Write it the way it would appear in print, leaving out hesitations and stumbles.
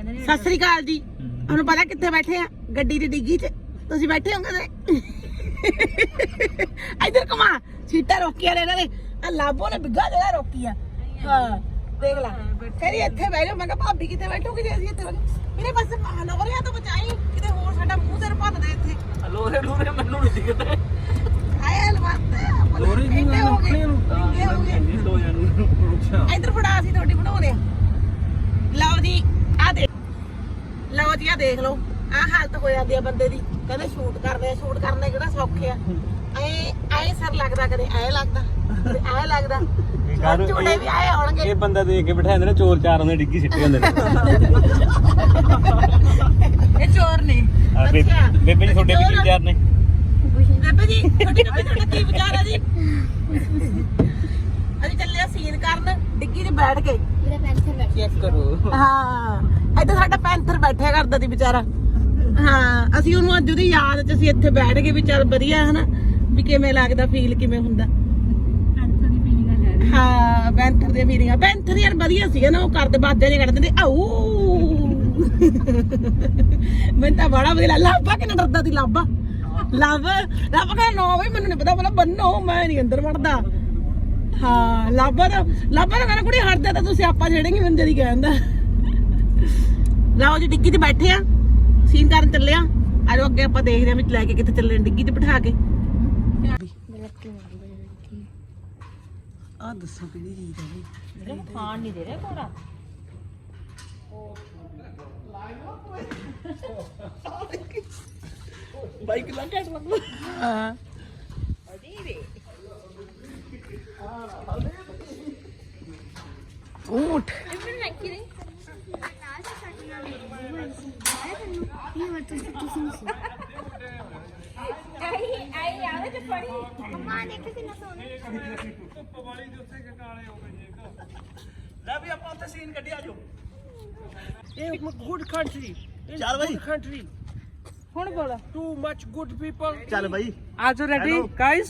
ਸਤਿ ਸ੍ਰੀ ਅਕਾਲ ਜੀ। ਤੁਹਾਨੂੰ ਪਤਾ ਕਿੱਥੇ ਬੈਠੇ ਆ? ਗੱਡੀ ਦੀ ਡਿੱਗੀ 'ਚ ਤੁਸੀਂ ਬੈਠੇ ਹੋਗੇ ਤੇ ਇੱਧਰ ਘੁਮਾ ਸੀਟਾਂ ਰੋਕੀਆਂ ਨੇ ਇਹਨਾਂ ਨੇ। ਆ ਲਾਬੋ ਨੇ ਬਿੱਗਾ ਜਗ੍ਹਾ ਰੋਕੀ ਆ। ਹਾਂ ਦੇਖ ਲਾ ਕਹਿੰਦੀ ਇੱਥੇ ਬਹਿ ਜਾਓ। ਮੈਂ ਕਿਹਾ ਭਾਬੀ ਕਿੱਥੇ ਬੈਠੋਗੇ ਜੇ ਅਸੀਂ ਇੱਥੇ ਮੇਰੇ ਪਾਸੇ ਲੋਰੀਆਂ ਤੋਂ ਬਚਾਈ ਕਿਤੇ ਹੋਰ ਸਾਡਾ ਮੂੰਹ ਸਿਰ ਭੰਨ ਦੇ ਇੱਥੇ। ਲੋਰੇ ਮੈਨੂੰ ਨਹੀਂ ਦਿਖਦੇ ਆਏ ਲਵਾਤੇ ਲੋਰੀ ਨਹੀਂ ਆਪਣੇ ਨੂੰ ਦੋ ਜਾਨੂੰ ਇੱਧਰ ਫੜਾ ਅਸੀਂ ਤੁਹਾਡੀ ਬਣਾਉਣੇ ਆ। ਲਓ ਜੀ ਆ ਦੇ ਲਓ ਜੀ ਆ ਦੇਖ ਲਓ ਆ ਹਾਲਤ ਹੋ ਜਾਂਦੀ ਆ ਬੰਦੇ ਦੀ। ਕਹਿੰਦੇ ਸ਼ੂਟ ਕਰਨੇ ਕਿਹੜਾ ਸੌਖੇ ਆ। ਐ ਸਰ ਲੱਗਦਾ ਕਦੇ ਐ ਲੱਗਦਾ ਕਦੇ ਐ ਲੱਗਦਾ। ਝੂਟੇ ਵੀ ਆਏ ਹੋਣਗੇ। ਇਹ ਬੰਦਾ ਦੇਖ ਕੇ ਬਿਠਾ ਜਾਂਦੇ ਨੇ ਚੋਰ ਚਾਰ ਉਹਨੇ ਡਿੱਗੀ ਸਿੱਟੇ ਹੁੰਦੇ ਨੇ। ਇਹ ਚੋਰ ਨੇ। ਅੱਛਾ ਬੇਬੇ ਜੀ ਤੁਹਾਡੇ ਵੀ ਵਿਚਾਰ ਨੇ। ਬੇਬੇ ਜੀ ਤੁਹਾਡਾ ਕੀ ਵਿਚਾਰ ਆ ਜੀ? ਅਸੀਂ ਚੱਲੇ ਸੀਨ ਕਰਨ ਡਿੱਗੀ 'ਚ ਬੈਠ ਕੇ। ਮੇਰਾ ਪੈਂਥਰ ਬੈਠ ਚੈੱਕ ਕਰੋ। ਹਾਂ ਇੱਥੇ ਸਾਡਾ ਪੈਂਥਰ ਬੈਠਿਆ ਕਰਦਾ ਸੀ ਵਿਚਾਰਾ। ਹਾਂ ਅਸੀਂ ਉਹਨੂੰ ਅੱਜ ਉਹਦੀ ਯਾਦ 'ਚ ਅਸੀਂ ਇੱਥੇ ਬੈਠ ਕੇ ਵੀ ਚੱਲ ਵਧੀਆ ਹਨਾ ਵੀ ਕਿਵੇਂ ਲੱਗਦਾ ਫੀਲ ਕਿਵੇਂ ਹੁੰਦਾ। ਹਾਂ ਪੈਂਥਰ ਦੀਆਂ ਫੀਲਿੰਗਾਂ ਪੈਂਥਰ ਯਾਰ ਵਧੀਆ ਸੀਗਾ ਨਾ। ਉਹ ਕਰਦੇ ਬਾਦੇ ਜੇ ਕੱਢਦੇ ਨੇ ਆਊ। ਮੈਨੂੰ ਤਾਂ ਬੜਾ ਵਧੀਆ ਲਾਭਾ ਕਿੰਨਾ ਡਰਦਾ ਸੀ। ਲਾਭਾ ਕਹਿੰਦਾ ਨੋ ਬਈ ਮੈਨੂੰ ਨਹੀਂ ਪਤਾ ਬੰਨੋ ਮੈਂ ਨਹੀਂ ਅੰਦਰ ਵੜਦਾ। ਹਾਂ ਲਾਭਾ ਤਾਂ ਕਹਿੰਦਾ ਕੁੜੀ ਹਟਦੇ ਤਾਂ ਤੁਸੀਂ ਆਪਾਂ ਛੇੜेंगे ਮੈਨੂੰ ਜਦੀ ਕਹਿੰਦਾ। ਲਓ ਜੀ ਡਿੱਗੀ 'ਚ ਬੈਠੇ ਆ ਸੀਨ ਕਰਨ ਚੱਲੇ ਆ। ਆਜੋ ਅੱਗੇ ਆਪਾਂ ਦੇਖਦੇ ਆ ਵੀ ਲੈ ਕੇ ਕਿੱਥੇ ਚੱਲੇ ਡਿੱਗੀ 'ਚ ਬਿਠਾ ਕੇ। ਆ ਦੱਸੋ ਕਿਹੜੀ ਚੀਜ਼ ਹੈ ਇਹ ਖਾਣ ਨਹੀਂ ਦੇ ਰਿਹਾ ਕੋਰਾ। ਬਾਈਕ ਲਾ ਕੇ ਲੱਗਦਾ। ਹਾਂ ਅਜੀਬੇ ਊਠ ਇਹਨੂੰ ਲੱਗੀ ਨਹੀਂ ਨਾਲ ਸਾਡੇ ਨਾਲ ਆਇਆ ਤੈਨੂੰ ਇਹ ਵਰ ਤੁਸੀਂ ਨਹੀਂ ਆਈ ਆਵੇ ਤੇ ਪੜੀ ਅੰਮਾ ਦੇਖ ਕਿੰਨਾ ਸੋਹਣਾ ਧੁੱਪ ਵਾਲੀ ਦੇ ਉੱਤੇ ਕਾਲੇ ਹੋ ਗਏ ਜੀ। ਲੈ ਵੀ ਆਪਾਂ ਉੱਥੇ ਸੀਨ ਕੱਢਿਆ ਆਜੋ। ਇਹ ਗੁੱਡ ਕੰਟਰੀ ਚੱਲ ਬਾਈ ਕੰਟਰੀ ਹੁਣ ਬੋਲ ਟੂ ਮੱਚ ਗੁੱਡ ਪੀਪਲ ਚੱਲ ਬਾਈ ਆਜੋ ਰੈਡੀ ਗਾਇਸ।